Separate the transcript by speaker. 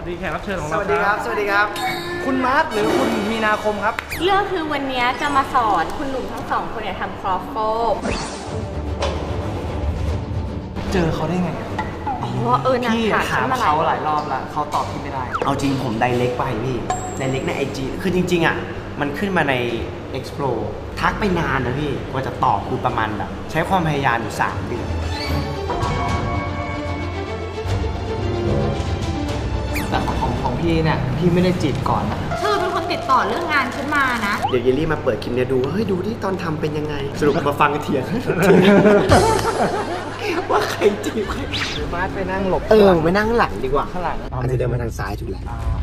Speaker 1: ดีแขกรับเชิญของ
Speaker 2: ส
Speaker 1: เรา
Speaker 2: วัสดีครับ สวัสดีครับ คุณมาร์ทหรือคุณมีนาคมครับ
Speaker 3: เรื่องคือวันนี้จะมาสอนคุณหนุ่มทั้งสองคนเนี่ยทำครอฟโฟ
Speaker 2: เจอเขาได้ไง
Speaker 3: อ๋อนาง
Speaker 2: พี่
Speaker 3: ถาม
Speaker 2: ถาม
Speaker 3: ฉันมา
Speaker 2: เขาหลายรอบแล้วเขาตอบพี่ไม่ได้
Speaker 4: เอาจริงผมไดเรกไปพี่ไดเรกใน IG คือจริงๆอ่ะมันขึ้นมาใน Explore ทักไปนานนะพี่กว่าจะตอบคือประมาณแบบใช้ความพยายามอยู่3 เดือน
Speaker 2: แต่ของพี่เนี่ยพี่ไม่ได้จีบก่อนนะ
Speaker 3: เธอเป็นคนติดต่อเรื่องงานฉันมานะ
Speaker 4: เดี๋ยวเยลลี่มาเปิดคลิปเนี่ยดูว่าเฮ้ยดูที่ตอนทำเป็นยังไง สรุปมาฟังเถียง ว่าใครจีบใคร
Speaker 2: หรือมาร์ทไปนั่งหลบ
Speaker 4: ไปนั่งหลังดีกว่า
Speaker 2: ข้างหลัง
Speaker 4: อาจจะเดินมาทางซ้ายถูกแล้ว